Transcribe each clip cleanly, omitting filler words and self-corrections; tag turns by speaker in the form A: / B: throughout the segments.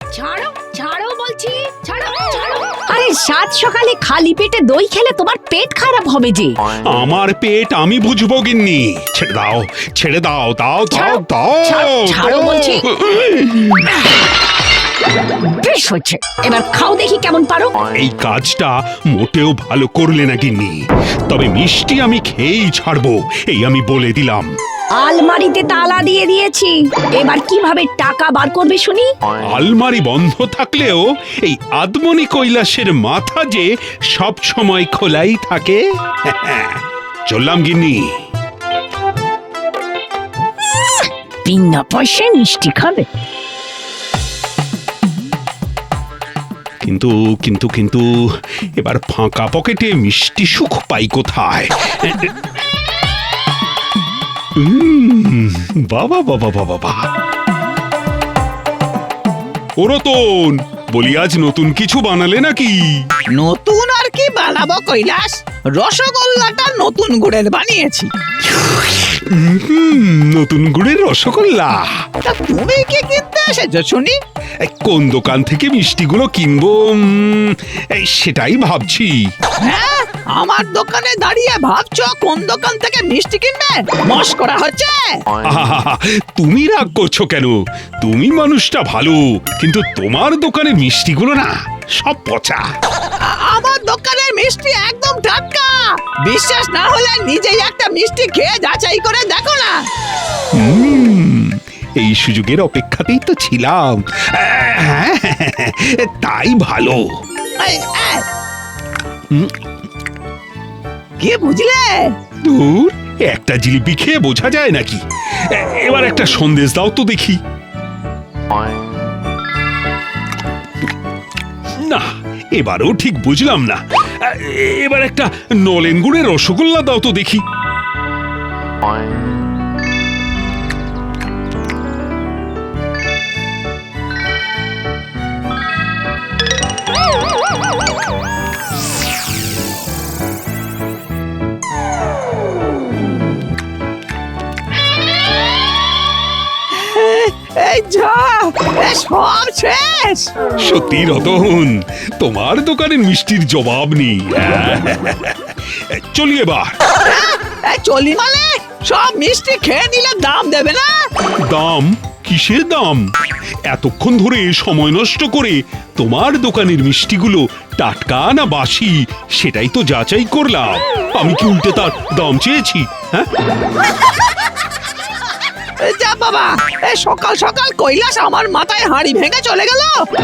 A: ছাড়ো ছাড়ো বলছি, ছাড়ো ছাড়ো। আরে সাত সকালে খালি পেটে দই খেলে তোমার পেট খারাপ হবে যে।
B: আমার পেট আমি বুঝবো গিন্নি। ছেড়ে দাও, ছেড়ে দাও, দাও দাও দাও।
A: ছাড়ো বলছি। বেশ হচ্ছে, এবার খাও দেখি কেমন পারো।
B: এই কাজটা মোটেও ভালো করলে না গিন্নি, তবে মিষ্টি আমি খেয়েই ছাড়বো, এই আমি বলে দিলাম।
A: আলমারিতে তালা দিয়ে দিয়েছি, এবার কিভাবে টাকা বার করবে শুনি?
B: আলমারি বন্ধ থাকলেও এই আদমনি কৈলাসের মাথা যে সব সময় খোলাই থাকে। চললাম গিন্নি।
A: বিনা পয়সায় মিষ্টি খাবে?
B: কিন্তু কিন্তু কিন্তু এবার ফাঁকা পকেটে মিষ্টি সুখ পাই কোথায়? বাবা বাবা বাবা বাবা। ও রতন, বলি আজ নতুন কিছু বানালে নাকি?
C: নতুন আর কি বানাবো কৈলাস, রসগোল্লাটা নতুন গুড়ের বানিয়েছি।
B: নতুন গুড়ের রসগোল্লা?
C: তা তুমি কি কিনতে এসেছো শুনি?
B: কোন দোকান থেকে মিষ্টিগুলো কিনবো সেটাই ভাবছি।
C: হ্যাঁ, আমার দোকানে দাঁড়িয়ে ভাবছো কোন দোকান থেকে মিষ্টি কিনবে? মস্করা হচ্ছে?
B: আহা, তুমি রাগ করছো কেন? তুমি মানুষটা ভালো, কিন্তু তোমার দোকানের মিষ্টিগুলো না সব পচা।
C: আমার দোকানের মিষ্টি একদম টাটকা। বিশ্বাস না হলে নিজেই একটা মিষ্টি খেয়ে যাচাই করে দেখো না।
B: এই সুযোগের অপেক্ষাতেই তো ছিলাম। তাই ভালো।
C: এই, কি বুঝলে?
B: দূর, একটা জিলিপি খেয়ে বোঝা যায় নাকি? এবার একটা সন্দেশ দাও তো দেখি। না, এবারও ঠিক বুঝলাম না। এবার একটা নলেন গুড়ের রসগোল্লা দাও তো দেখি।
C: এই যা, সব শেষ।
B: সত্যি রতন, তোমার দোকানের মিষ্টির জবাব নেই। চলি এবার।
C: চলি মানে সব মিষ্টি খেয়ে নিলে দাম দেবে না?
B: দাম? কিসের দাম? এতক্ষণ ধরে সময় নষ্ট করে তোমার দোকানের মিষ্টিগুলো টাটকা না বাসি সেটাই তো যাচাই করলাম। আমি কি উল্টে তার দাম চেয়েছি? হ্যাঁ,
C: যা বাবা, সকাল সকাল কৈলাস আমার মাথায় হাঁড়ি ভেঙে চলে গেল।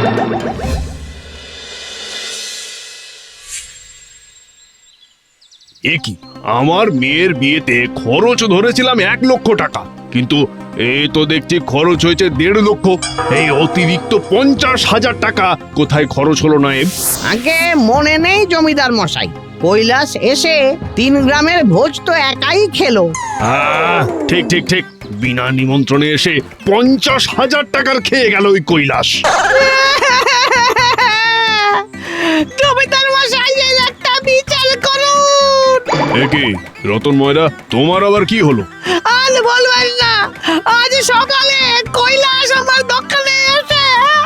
D: কি আমার মেয়ের বিয়েতে খরচ ধরেছিলাম 1,00,000 টাকা, কিন্তু এই তো দেখছি খরচ হয়েছে 1.5 লক্ষ। এই অতিরিক্ত 50,000 টাকা কোথায় খরচ হলো না?
E: আগে মনে নেই জমিদার মশাই, কৈলাস এসে 3 গ্রামের ভোজ তো একাই খেলো।
D: ঠিক ঠিক ঠিক, বিনা নিমন্ত্রণে এসে 50,000 টাকার খেয়ে গেল ওই কৈলাস।
C: জমিদার মশাই, এর একটা বিচার করুন।
D: কি রতন ময়রা, তোমার আবার কি হলো?
C: আর বলবেন না, আজ সকালে কৈলাস আমার দোকানে এসে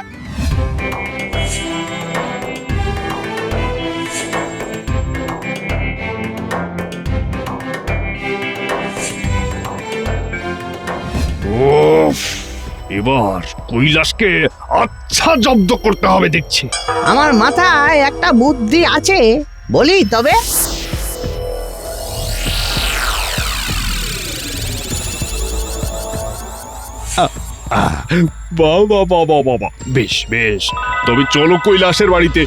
D: উফ, এবার কৈলাসকে আচ্ছা জব্দ করতে হবে দেখছি।
E: আমার মাথায় একটা বুদ্ধি আছে, বলি তবে?
D: বাবা বাবা বাবা, বেশ বেশ, তবে চলো কৈলাসের বাড়িতে।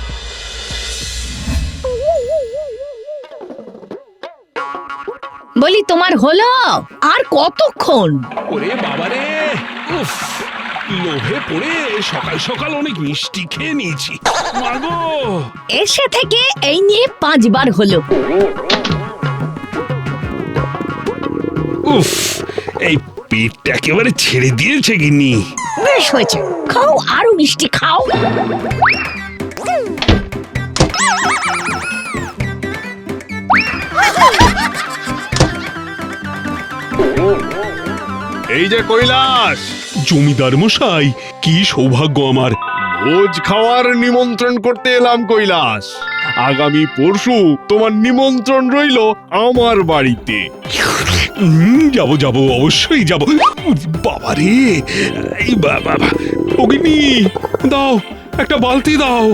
A: বলি তোমার হলো আর কতক্ষণ?
B: ওরে বাবারে, উফ, লোভে পড়ে সকাল সকাল অনেক মিষ্টি খেয়ে নিয়েছি। মাগো,
A: এসে থেকে এই নিয়ে 5 বার হলো।
B: উফ, এই পেটটা একেবারে ছেড়ে দিয়েছে গিন্নি।
A: বেশ হয়েছে, খাও আরো মিষ্টি খাও।
D: এই যে কৈলাস।
B: জমিদার মশাই, কি সৌভাগ্য আমার!
D: ভোজ খাওয়ার নিমন্ত্রণ করতে এলাম কৈলাস। আগামী পরশু তোমার নিমন্ত্রণ রইল আমার বাড়িতে।
B: যাবো যাবো, অবশ্যই যাবো। বাবা রে, এই বাবা, অগ্নি দাও, একটা বালতি দাও।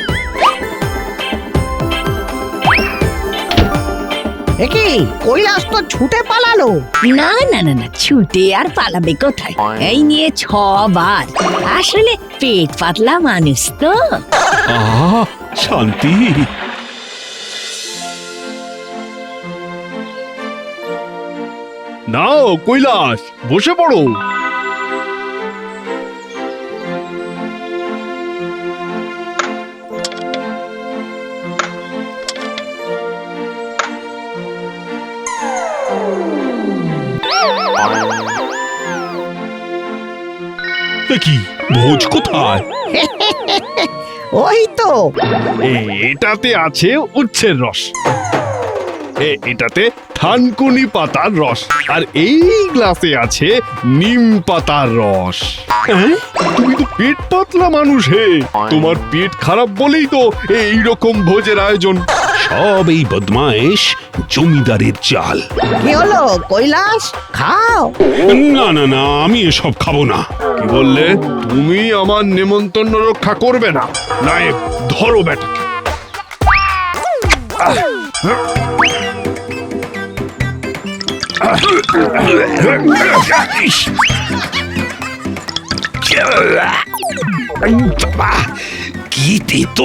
E: একি কৈলাস তো ছুটে পালালো।
A: না না না না, ছুটে আর পালাবে কোথায়? এই নিয়ে 6 বার। আসলে পেট পাতলা মানুষ তো।
B: আহ, শান্তি।
D: নাও কৈলাস, বসে পড়ো।
B: কি ভোজ কোথায়?
E: ওই তো
D: এটাতে আছে উচ্ছের রস, এটাতে থানকুনি পাতার রস, আর এই গ্লাসে আছে নিম পাতার রস।
B: হ্যাঁ?
D: তুমি তো পেট পাতলা মানুষ হে, তোমার পেট খারাপ বলেই তো এই রকম ভোজের আয়োজন।
B: সব এই বদমাইশ জমিদারের চাল।
E: কি হলো কৈলাস, খাও।
B: না না না, আমি এসব খাবো না।
D: কি বললে? তুমি আমার নেমন্তন্ন রক্ষা করবে না? নায়েব, ধরো বেটাকে।
B: কি তেতো!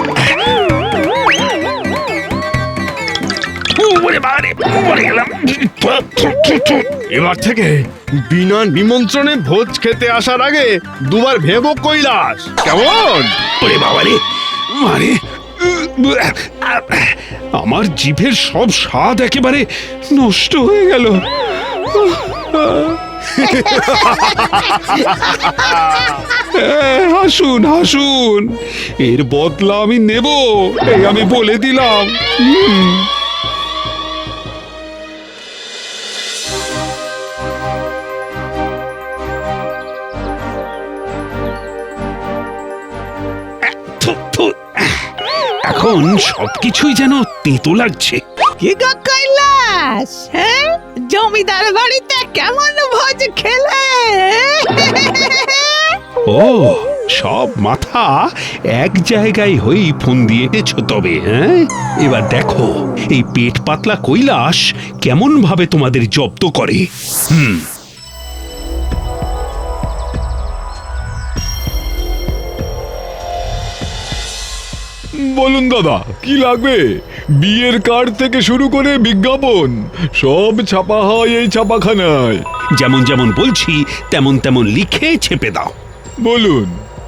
D: এবার থেকে বিনা নিমন্ত্রণে ভোজ খেতে আসার আগে দুবার ভেবো কৈলাস, কেমন?
B: ওরে বাবা রে, মারে, আমার জিভের সব স্বাদ একেবারে নষ্ট হয়ে গেল। হাসুন হাসুন, এর বদলা আমি নেব, এই আমি বলে দিলাম। থু, থু, এখন সবকিছুই যেন তেতো লাগছে।
C: কি গো কৈলাস, হ্যাঁ জমিদার বাড়িতে কেমন ভোজ খেলে?
B: ও, সব মাথা এক জায়গায় হয়েই ফোন দিয়ে এঁটেছ তবে। হ্যাঁ, এবার দেখো এই পেট পাতলা কৈলাস কেমন ভাবে তোমাদের জব্দ করে।
F: বলুন দাদা, কি লাগবে? বিয়ের কার্ড থেকে শুরু করে বিজ্ঞাপন সব ছাপা হয় এই ছাপাখানায়।
B: যেমন যেমন বলছি তেমন তেমন লিখে ছেপে দাও।
F: বলুন।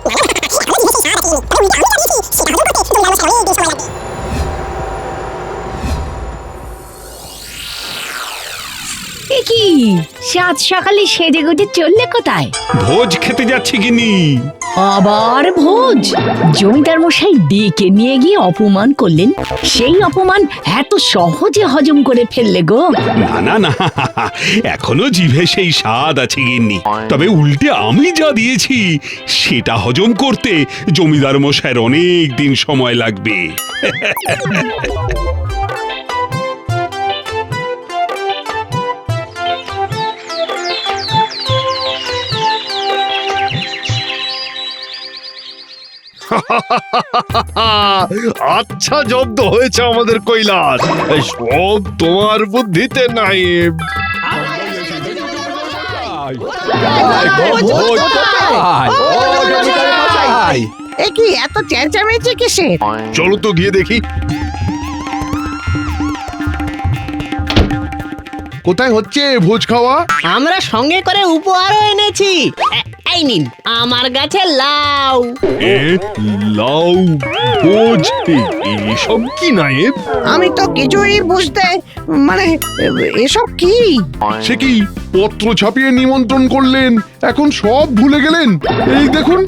A: এ কি, সাত সকালে সেজে গুজে চললে কোথায়?
B: ভোজ খেতে যাচ্ছে গিনি।
A: আবার ভোজ? জমিদার মশাই ডেকে নিয়ে গিয়ে অপমান করলেন, সেই অপমান এত সহজে হজম করে ফেললে গো?
B: না না না, এখনো জিভে সেই স্বাদ আছে গিন্নি, তবে উল্টে আমি যা দিয়েছি সেটা হজম করতে জমিদার মশাইয়ের অনেক দিন সময় লাগবে।
D: আচ্ছা, জব্দ হয়েছে আমাদের কৈলাস, এই সব তোমার বুদ্ধিতে নায়েব।
E: এ কি এত চেঁচামেচি কিসের?
D: চলো তো গিয়ে দেখি। কোথায় হচ্ছে ভোজ খাওয়া?
C: আমরা সঙ্গে করে উপহারও এনেছি। এই নিন আমার গাছে লাউ।
D: এ লাউ ভোজ, এসব কি নায়েব?
E: আমি তো কিছুই বুঝতে, মানে এসব কি?
D: সে কি, পত্র ছাপিয়ে নিমন্ত্রণ করলেন, এখন সব ভুলে গেলেন? এই দেখুন,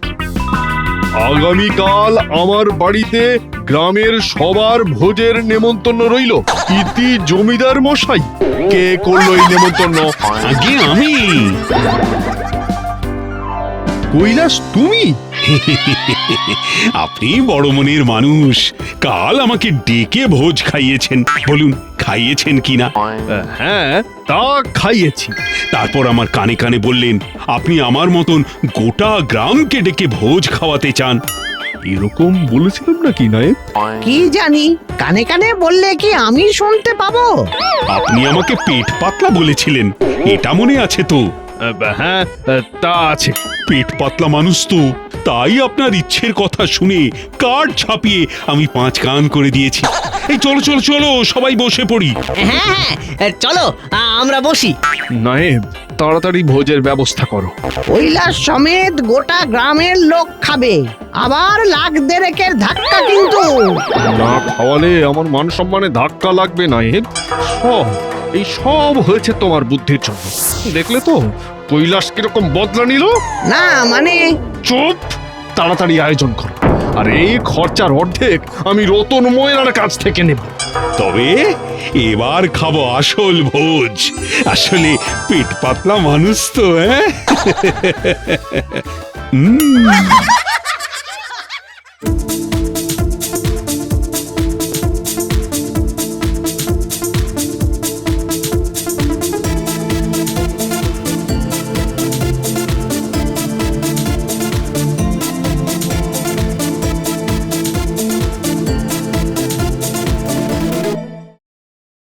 D: আগামীকাল আমার বাড়িতে গ্রামের সবার ভোজের নেমন্তন্ন রইল। ইতি জমিদার মশাই। কে করলো এই নেমন্তন্ন?
B: আগে আমি।
D: কৈলাস, তুমি?
B: আপনি বড় মনের মানুষ, কাল আমাকে ডেকে ভোজ খাইয়েছেন। বলুন, খাইয়েছেন কিনা?
D: হ্যাঁ, তা খাইয়েছি।
B: তারপর আমার কানে কানে বললেন আপনি আমার মতন গোটা গ্রামকে ডেকে ভোজ খাওয়াতে চান।
D: এরকম বলেছিলাম নাকি নায়েব?
E: কি জানি, কানে কানে বললে কি আমি শুনতে পাবো?
B: আপনি আমাকে পেট পাতলা বলেছিলেন, এটা মনে আছে তো?
D: হ্যাঁ, তা আছে।
B: পেট পাতলা মানুষ তো, তাই আপনার ইচ্ছের কথা শুনে কার্ড ছাপিয়ে আমি 5 কান করে দিয়েছি। এই চলো চলো চলো, সবাই বসে পড়ি।
C: হ্যাঁ হ্যাঁ, চলো আমরা বসি।
D: নায়েব, তাড়াতাড়ি ভোজের ব্যবস্থা করো।
E: কৈলাস সমেত গোটা গ্রামের লোক খাবে, আবার লাখ দেড়েকের ধাক্কা কিন্তু।
D: না খাওয়ালে আমার মান সম্মানে ধাক্কা লাগবে নায়েব। এই সব হয়েছে তোমার বুদ্ধির জন্য। দেখলে তো কৈলাস কিরকম বদলা নিল।
E: না মানে,
D: চুপ, তাড়াতাড়ি আয়োজন করো। আর এই খরচার অর্ধেক আমি রতন ময়রার কাছ থেকে নেব।
B: তবে এবার খাবো আসল ভোজ। আসলে পেট পাতলা মানুষ তো, হ্যাঁ।